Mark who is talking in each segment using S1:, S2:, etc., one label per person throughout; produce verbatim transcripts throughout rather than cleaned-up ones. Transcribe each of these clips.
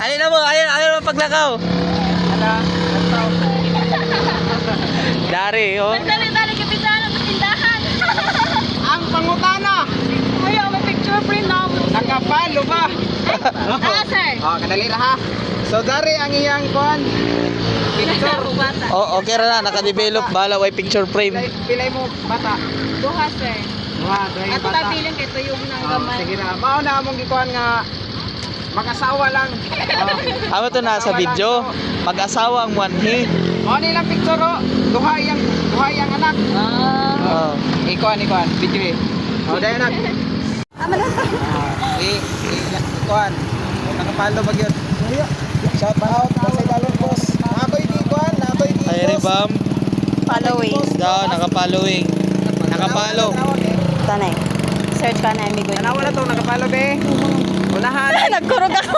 S1: Ayun na mo, ayun, ayun ang paglakaw.
S2: Ala, lantaw.
S1: Dari, oh.
S3: Dali-dali kapitan ng tindahan.
S2: Ang pangutana.
S3: Kuya, may picture print na ako.
S2: Nakapalo ba?
S3: Ah, sir.
S2: Oh, kadali ra ha. So dari ang iyang kuan. Picture.
S3: Bata.
S1: Oh, okay ra na, naka-develop bala way picture frame.
S2: Pilay, pilay mo bata.
S3: Duha, sir.
S2: Duha, dahil
S3: Ato
S2: bata.
S3: tabiling kay tuyong ng
S2: Oh,
S3: gamay.
S2: sige na. Mao na among gikuan nga mag-asawa lang. Oh.
S1: Amo to na sa video, mag-asawa ang wanhi.
S2: Mao nilang picture oh. Duha iyang duha iyang anak.
S1: Oh.
S3: Ah.
S2: Ikuan ikuan video eh. Oh, dai anak.
S3: Ama na.
S2: Eh, ikuan. Nakapalo ba gyud? Shout out sa dalon boss. Ako'y di kuan, ako'y di.
S1: Ay rebam,
S3: Following.
S1: daw naka-following. Nakapalo.
S3: Tanay. Search ka na, amigo.
S2: Tanawa na to, nakapalo be. Unahan.
S3: Nagkurog ako.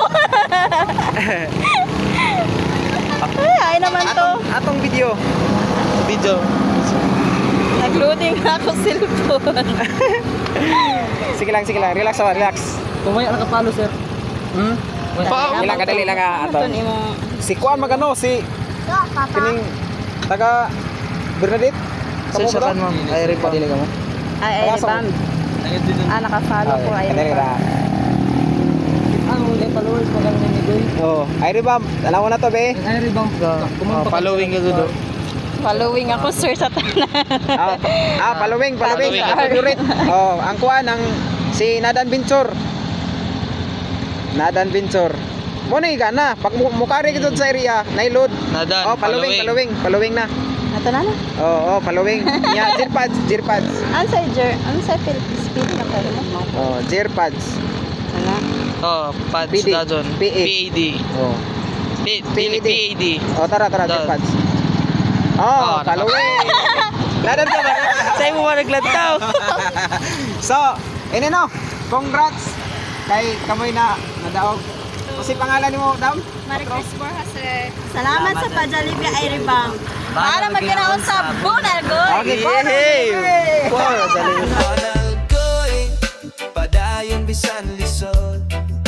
S3: Ay, ay naman to.
S2: Atong, atong video.
S1: Video.
S3: Nag-loading ako cellphone.
S2: Sige lang, sige lang. Relax oh, relax.
S1: Kumaya nakapalo sir.
S2: Hmm?
S1: Pa-
S2: Ilang kadali lang ah, ato.
S3: Ito mo.
S2: Si Kuan magano si kining taga Bernadette.
S1: Sa
S2: Kamu
S1: sa
S2: ba?
S1: kan ma'am. Ay rebam.
S2: Kadali ka mo.
S3: Ay, ay,
S2: Wala sa-
S3: bam. Ah, naka-follow ko. Ay,
S2: Kadali ra.
S1: Ang ulit followers pa kami ni Goy.
S2: Oh, ay ribam. Alam mo na to be.
S1: Ay rebam. Oh, following ka gudo.
S3: Following ako, sir, sa tanan.
S2: Ah, pa- ah, following, following.
S1: Following.
S2: Ang favorite. Oh, ang Kuan ang si Nadan Venture. Nadan Venture. Mo na gana. Pag mu- mukari kita sa area, nailod.
S1: Nadan,
S2: Oh, following, following, following na.
S3: Ito na na.
S2: Oh, oh, following. Nya, Jirpads, Jirpads.
S3: Ansay, jer. Ansay, pil. Speed na pala mo.
S2: Oh, Jirpads.
S3: Ano?
S1: Oh, pads
S2: P D.
S1: da doon.
S2: P A.
S1: P A D.
S2: Oh.
S1: P-
S2: P A D.
S1: P A D.
S2: Oh, tara, tara,
S1: Doon.
S2: Jirpads. Oh,
S1: Oh,
S2: following. Nadan ka ba?
S1: Sa'yo mo ba naglantaw?
S2: So, ini no. Congrats kay kamoy na nadaog. Kasi pangalan nimo, Dam?
S3: Maricris Borja, sir. Salamat sa Pajalibya Airibang. Para magkinaon sa Bunalgoy.
S2: Okay,
S1: Yay!
S2: Wow, dali.
S4: Panalgoy, padayon bisan lisod.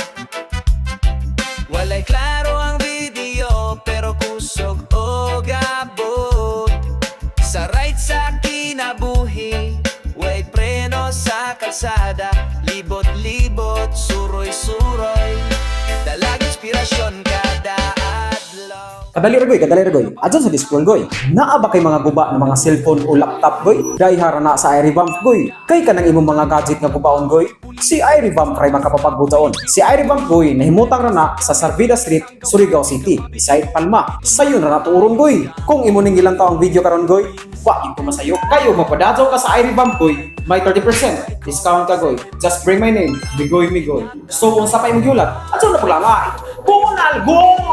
S4: Walay klaro ang video, pero kusog o gabot. Sa right sa kinabuhi, way preno sa kalsada. Libot-libot, suroy-suroy, dalag inspirasyon kada adlaw.
S5: Kadali ra goy, kadali ra goy. Adyan sa display goy. Naa ba kay mga guba ng mga cellphone o laptop goy? Dai hara na sa iRevamp goy. Kay kanang imong mga gadget nga gubaon goy. Si iRevamp kay makapapagbutaon. Si iRevamp goy nahimutang ra na sa Sarvida Street, Surigao City, beside Palma. Sayon ra na tuurong goy. Kung imo ning ilang taong video karon goy, wa gyud ko masayo. Kayo mapadadyaw ka sa iRevamp goy. May thirty percent discount ka goy. Just bring my name, Migoy Migoy. So unsa pa imong giulat? Adyan na pula nga. Bunal go!